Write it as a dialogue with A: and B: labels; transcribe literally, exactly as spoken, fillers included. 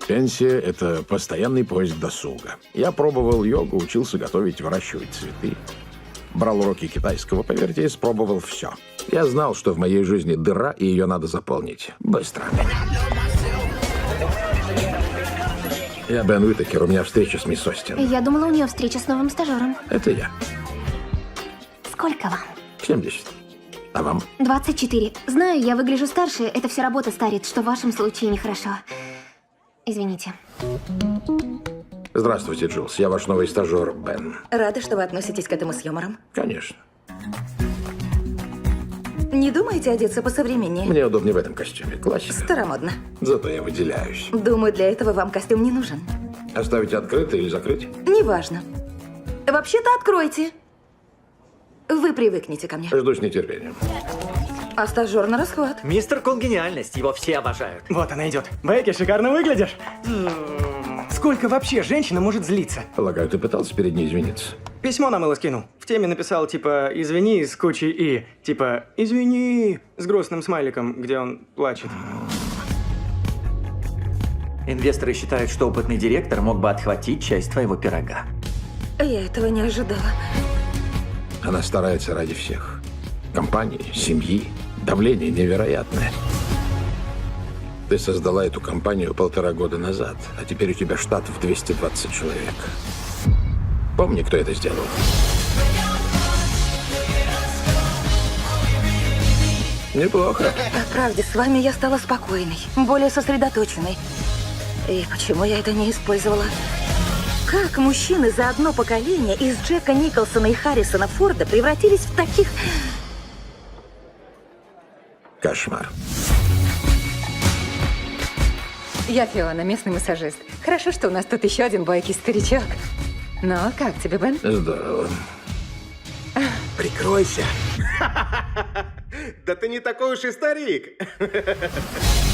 A: Пенсия – это постоянный поиск досуга. Я пробовал йогу, учился готовить, выращивать цветы. Брал уроки китайского, поверьте, испробовал все. Я знал, что в моей жизни дыра, и ее надо заполнить. Быстро. Я Бен Уитакер, у меня встреча с мисс Остин.
B: Я думала, у нее встреча с новым стажером.
A: Это я.
B: Сколько вам?
A: семьдесят. А вам?
B: двадцать четыре. Знаю, я выгляжу старше, это все работа старит, что в вашем случае нехорошо. Извините.
A: Здравствуйте, Джилс. Я ваш новый стажер, Бен.
C: Рада, что вы относитесь к этому с юмором.
A: Конечно.
C: Не думаете одеться посовременнее?
A: Мне удобнее в этом костюме. Классика.
C: Старомодно.
A: Зато я выделяюсь.
C: Думаю, для этого вам костюм не нужен.
A: Оставить открытый или закрыть?
C: Неважно. Вообще-то откройте. Вы привыкнете ко мне.
A: Жду с нетерпением.
C: А стажер на расхват.
D: Мистер Конгениальность, его все обожают.
E: Вот она идет. Бекки, шикарно выглядишь. Сколько вообще женщина может злиться?
A: Полагаю, ты пытался перед ней извиниться?
E: Письмо на мыло скинул. В теме написал типа «извини» с кучей «и». Типа «извини» с грустным смайликом, где он плачет.
D: Инвесторы считают, что опытный директор мог бы отхватить часть твоего пирога.
C: Я этого не ожидала.
A: Она старается ради всех. Компании, семьи. Давление невероятное. Ты создала эту компанию полтора года назад, а теперь у тебя штат в двести двадцать человек. Помни, кто это сделал. Неплохо.
C: По правде, с вами я стала спокойной, более сосредоточенной. И почему я это не использовала? Как мужчины за одно поколение из Джека Николсона и Харрисона Форда превратились в таких...
A: Кошмар.
F: Я Фиона, местный массажист. Хорошо, что у нас тут еще один бойкий старичок. Ну, как тебе, Бен?
A: Здорово.
G: Прикройся. Да ты не такой уж и старик.